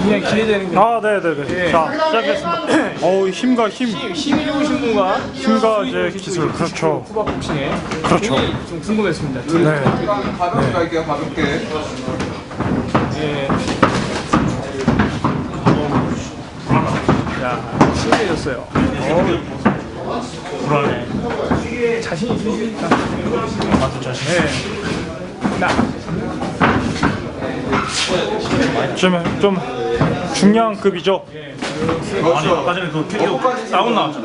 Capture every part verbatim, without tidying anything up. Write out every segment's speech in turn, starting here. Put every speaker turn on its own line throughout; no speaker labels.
굉장히 기대되는 게.
아, 네네네.
예.
자, 시작했습니다. 어우, 힘과 힘.
힘, 힘이 좋으신 분과
힘과 이제 기술, 그렇죠.
후박복싱에
그렇죠.
굉장히 좀 궁금했습니다. 둘.
네.
가볍게 갈게요, 가볍게.
예. 자, 심해졌어요.
불안해.
자신 있으십니까?
아주 자신.
네. 나.
좀, 좀 중량급이죠.
예.
아니,
아까 전에 그 video 다운 나왔잖아.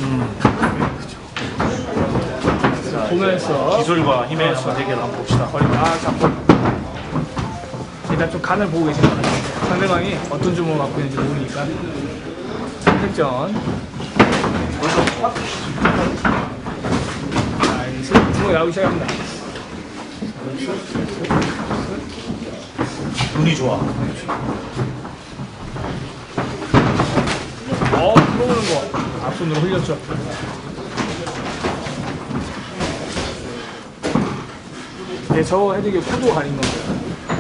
보면서
기술과 힘의 한번 대결 한번 봅시다.
아, 잡고. 일단 좀 간을 보고 계신 것 같아요. 상대방이 어떤 주먹을 갖고 있는지 모르니까. 선택전. 자, 이제 슬슬 주먹이 나오기 시작합니다.
눈이 좋아.
어, 들어오는 거. 앞손으로 흘렸죠. 네, 저거 헤드기 코도 가린 건데요.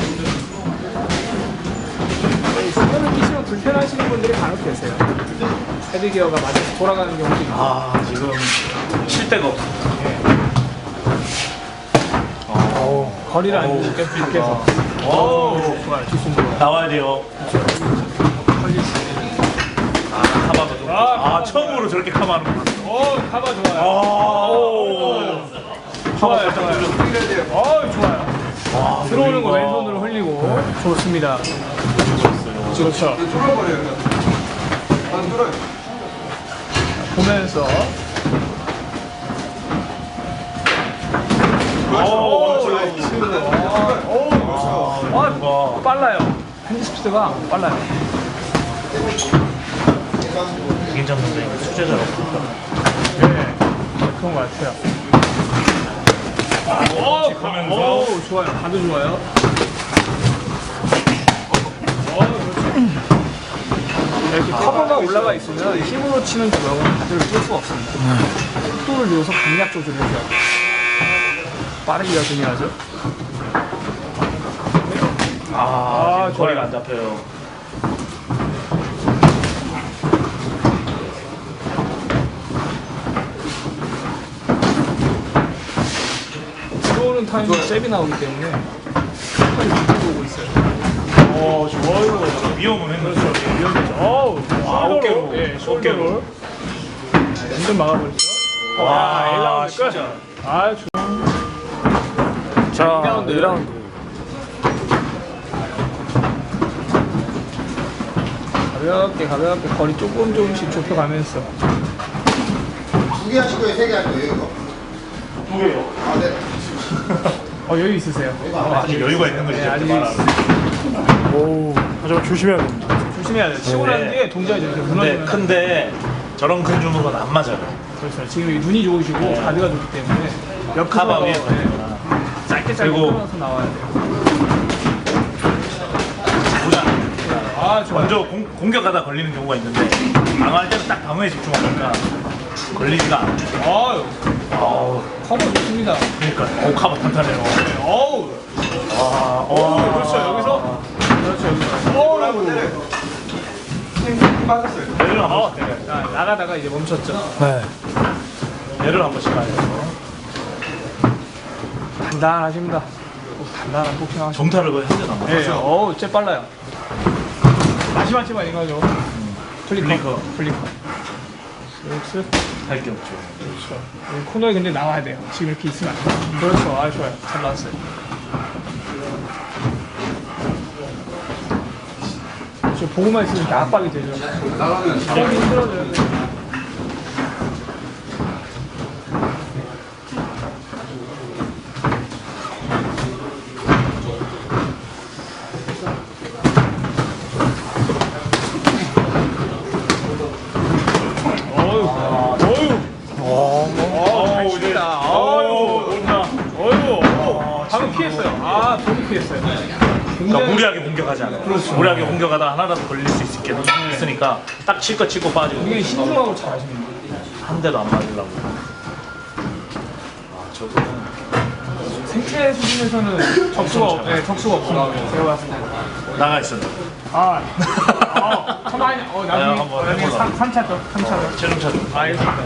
손을 끼시면 불편하시는 분들이 간혹 계세요. 헤드기어가 맞아서 돌아가는 경우도 있고.
아, 지금 칠 데가 없어.
어, 거리를 안 주고 계속 밖에서. 오, 좋아요. 뒷손으로.
나와야 돼요.
걸릴 수 있는.
아, 카바도.
아,
아, 처음으로 저렇게 카바하는구나.
오, 카바 좋아요.
오.
좋아요, 좋아요. 어, 좋아요.
와,
들어오는 거 왼손으로 흘리고. 좋습니다. 그렇죠.
뚫어버려요. 안 뚫어요.
보면서.
오,
아, 빨라요. 핸드 스피드가 빨라요.
괜찮은데 수제자로.
네, 그런 것 같아요. 오,
보면서.
오, 좋아요. 가도 좋아요. 오, 그렇죠. 이렇게 커버가 올라가 있으면 힘으로 치는 주먹은 가드를 뚫을 수가 없습니다. 속도를 넣어서 강약 조절을 해줘야 돼요. 빠르기가 중요하죠.
아,
아,
지금 거리가
좋아요.
안 잡혀요.
들어오는 타이밍 잽이 나오기 때문에 끝까지 오고 있어요.
어, 좋아요. 위험은 했는데.
그렇죠. 위험했죠. 어우,
아,
숄더로.
어깨로.
예,
어깨로.
숄더로. 완전 막아버렸죠.
와,
일 라운드 끝.
진짜.
아, 좋
자,
이 라운드.
이 라운드.
가볍게 가볍게 거리 조금 조금씩 좁혀가면서.
두 개 하실 거예요? 세 개 할 거예요, 이거?
두 개요.
아, 네.
어, 여유 있으세요.
아직 여유가 있는 거지.
네, 아직
오, 하지만 조심해야 됩니다.
조심해야 돼요. 치고 난 뒤에 동작이 이렇게
근데
무너지면.
큰데 저런 큰 주먹은 안 맞아요.
그렇죠. 지금 이 눈이 좋으시고 가드가 좋기 때문에 옆
카바
커버가,
위에
네,
걸리구나.
짧게 짧게
그리고-
끊어서 나와야 돼요.
보자.
아, 좋아요.
먼저 공, 공격하다 걸리는 경우가 있는데 방어할 때는 딱 방어에 집중하니까 걸리지가 않아요.
아유,
아우,
커버 좋습니다.
그러니까 오, 카바 탄탄해요.
어우,
와,
오,
와,
그렇죠. 여기서. 그렇죠, 여기서. 어우,
힘 빠졌어요.
얘를 한 번씩 때려요.
자, 나가다가 이제 멈췄죠.
네. 얘를 한 번씩 가요.
단단하십니다. 오, 단단한 복싱 하시죠.
정타를 거의 한 대도 안
예,
맞았어요.
어우, 쟤 빨라요. 마지막지만 이거죠. 플리커.
플리커.
플리커. 쓱쓱.
할게 없죠.
그렇죠. 여기 코너에 근데 나와야 돼요. 지금 이렇게 있으면 안 돼요. 그렇죠. 아, 좋아요. 잘 나왔어요. 그렇죠. 보고만 있으면 이렇게 압박이 되죠.
나가면
하기 힘들어져요. 어휴, 어휴.
어,
잘 칩니다.
어,
어휴.
온다.
어휴, 어휴. 방금 피했어요. 아, 너무 피했어요.
그러니까
굉장히
무리하게 공격하지 않아요. 무리하게 공격하다 하나라도 걸릴 수 있게 있으니까 딱 칠 거 치고 빠지고
굉장히 신중하고 잘하십니다.
한 대도 안 맞으려고. 아, 저거는
생체 수준에서는 적수가, 없, 네, 적수가 없습니다. 제가 봤을 때.
나가 있어요.
아, 어, 가만히, 어,
아,
나중에,
한번
어, 나중에
해보자.
삼, 삼 차 더, 삼 차 더.
체중 차죠.
알겠습니다.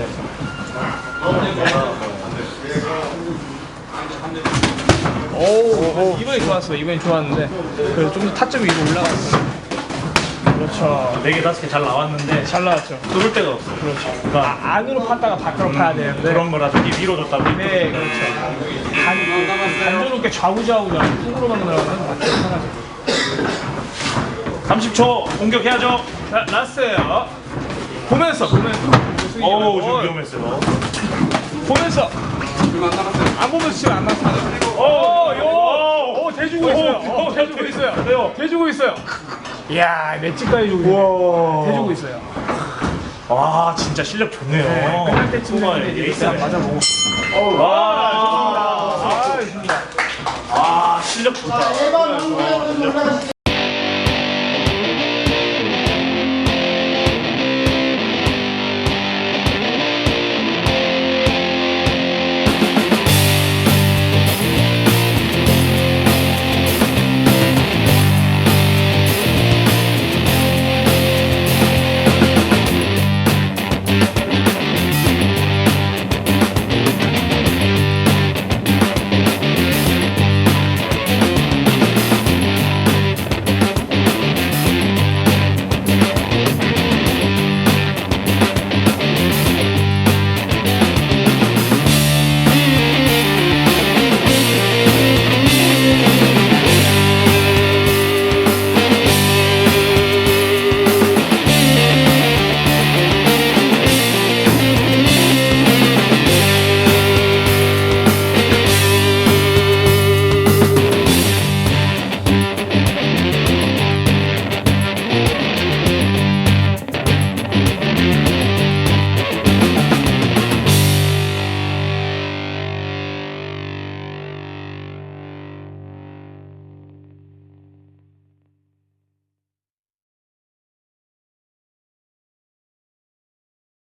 오, 이번이 좋았어. 이번이 좋았는데, 그래도 좀 더 타점 위로 올라갔어. 그렇죠.
네 개, 다섯 개 잘 나왔는데
잘 나왔죠.
뚫을 데가 없어.
그렇죠.
그러니까
아, 안으로 팠다가 밖으로 파야 되는데.
그런 거라도 이 위로 줬다고.
네, 그렇죠. 단, 단조롭게 좌우좌우좌우 훅으로만 들어가면 맞죠. 편하죠.
삼십 초 공격해야죠.
자, 라스트예요. 보면서, 보면서.
어우, 좀 위험했어요.
보면서.
지금 안 남았어요.
안 보면서 치면 안 나타나. 오, 요! 오, 대주고 있어요. 오, 대주고 있어요.
왜요?
대주고 있어요. 이야, 맷집까지 주고 있어요. 대주고 있어요.
와, 진짜 실력 좋네요.
네, 끝날 때쯤
정말
되는데 이제
에이스
일단 맞아보고.
와,
아, 좋습니다. 아, 좋습니다.
아, 실력 좋다.
일 번 홍보에 올라가시죠.